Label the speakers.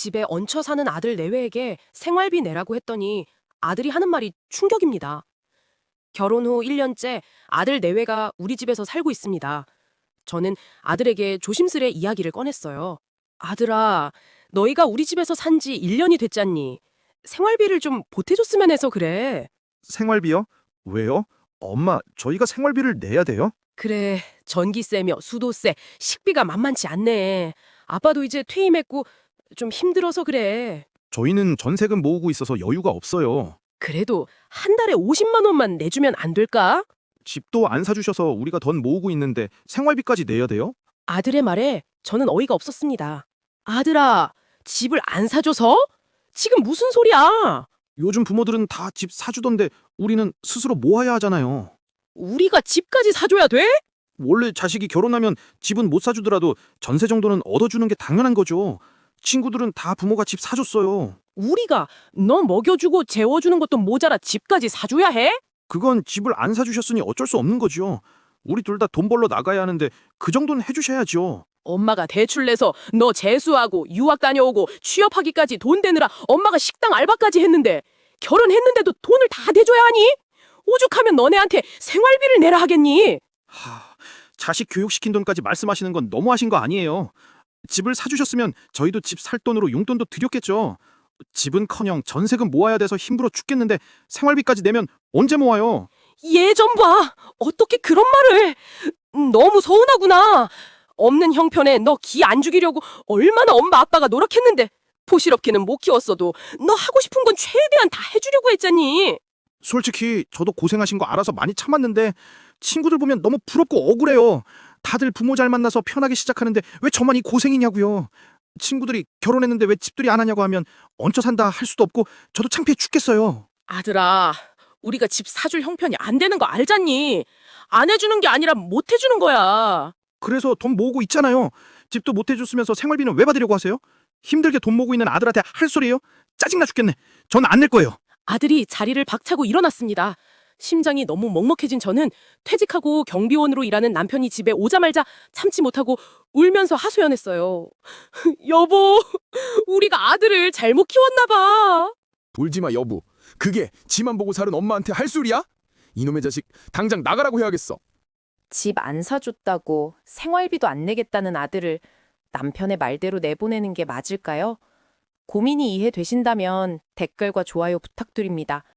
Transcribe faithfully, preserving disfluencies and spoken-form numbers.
Speaker 1: 집에 얹혀 사는 아들 내외에게 생활비 내라고 했더니 아들이 하는 말이 충격입니다. 결혼 후 일 년째 아들 내외가 우리 집에서 살고 있습니다. 저는 아들에게 조심스레 이야기를 꺼냈어요. 아들아, 너희가 우리 집에서 산지 일 년이 됐잖니. 생활비를 좀 보태줬으면 해서 그래.
Speaker 2: 생활비요? 왜요? 엄마, 저희가 생활비를 내야 돼요?
Speaker 1: 그래, 전기세며 수도세, 식비가 만만치 않네. 아빠도 이제 퇴임했고 좀 힘들어서 그래.
Speaker 2: 저희는 전세금 모으고 있어서 여유가 없어요.
Speaker 1: 그래도 한 달에 오십만 원만 내주면 안 될까?
Speaker 2: 집도 안 사주셔서 우리가 돈 모으고 있는데 생활비까지 내야 돼요?
Speaker 1: 아들의 말에 저는 어이가 없었습니다. 아들아, 집을 안 사줘서? 지금 무슨 소리야?
Speaker 2: 요즘 부모들은 다 집 사주던데 우리는 스스로 모아야 하잖아요.
Speaker 1: 우리가 집까지 사줘야 돼?
Speaker 2: 원래 자식이 결혼하면 집은 못 사주더라도 전세 정도는 얻어주는 게 당연한 거죠. 친구들은 다 부모가 집 사줬어요.
Speaker 1: 우리가 너 먹여주고 재워주는 것도 모자라 집까지 사줘야 해?
Speaker 2: 그건 집을 안 사주셨으니 어쩔 수 없는 거죠. 우리 둘 다 돈 벌러 나가야 하는데 그 정도는 해주셔야죠.
Speaker 1: 엄마가 대출 내서 너 재수하고 유학 다녀오고 취업하기까지 돈 대느라 엄마가 식당 알바까지 했는데 결혼했는데도 돈을 다 대줘야 하니? 오죽하면 너네한테 생활비를 내라 하겠니?
Speaker 2: 하, 자식 교육시킨 돈까지 말씀하시는 건 너무하신 거 아니에요. 집을 사주셨으면 저희도 집 살 돈으로 용돈도 드렸겠죠. 집은커녕 전세금 모아야 돼서 힘들어 죽겠는데 생활비까지 내면 언제 모아요?
Speaker 1: 얘 좀 봐. 어떻게 그런 말을. 음, 너무 서운하구나. 없는 형편에 너 기 안 죽이려고 얼마나 엄마 아빠가 노력했는데 포실업계는 못 키웠어도 너 하고 싶은 건 최대한 다 해주려고 했잖니.
Speaker 2: 솔직히 저도 고생하신 거 알아서 많이 참았는데 친구들 보면 너무 부럽고 억울해요. 다들 부모 잘 만나서 편하게 시작하는데 왜 저만 이 고생이냐고요. 친구들이 결혼했는데 왜 집들이 안 하냐고 하면 얹혀 산다 할 수도 없고 저도 창피해 죽겠어요.
Speaker 1: 아들아, 우리가 집 사줄 형편이 안 되는 거 알잖니. 안 해주는 게 아니라 못 해주는 거야.
Speaker 2: 그래서 돈 모으고 있잖아요. 집도 못 해줬으면서 생활비는 왜 받으려고 하세요? 힘들게 돈 모으고 있는 아들한테 할 소리예요? 짜증나 죽겠네. 전 안 낼 거예요.
Speaker 1: 아들이 자리를 박차고 일어났습니다. 심장이 너무 먹먹해진 저는 퇴직하고 경비원으로 일하는 남편이 집에 오자마자 참지 못하고 울면서 하소연했어요. 여보, 우리가 아들을 잘못 키웠나 봐.
Speaker 3: 울지마 여보. 그게 지만 보고 살은 엄마한테 할 소리야? 이놈의 자식 당장 나가라고 해야겠어.
Speaker 4: 집 안 사줬다고 생활비도 안 내겠다는 아들을 남편의 말대로 내보내는 게 맞을까요? 고민이 이해되신다면 댓글과 좋아요 부탁드립니다.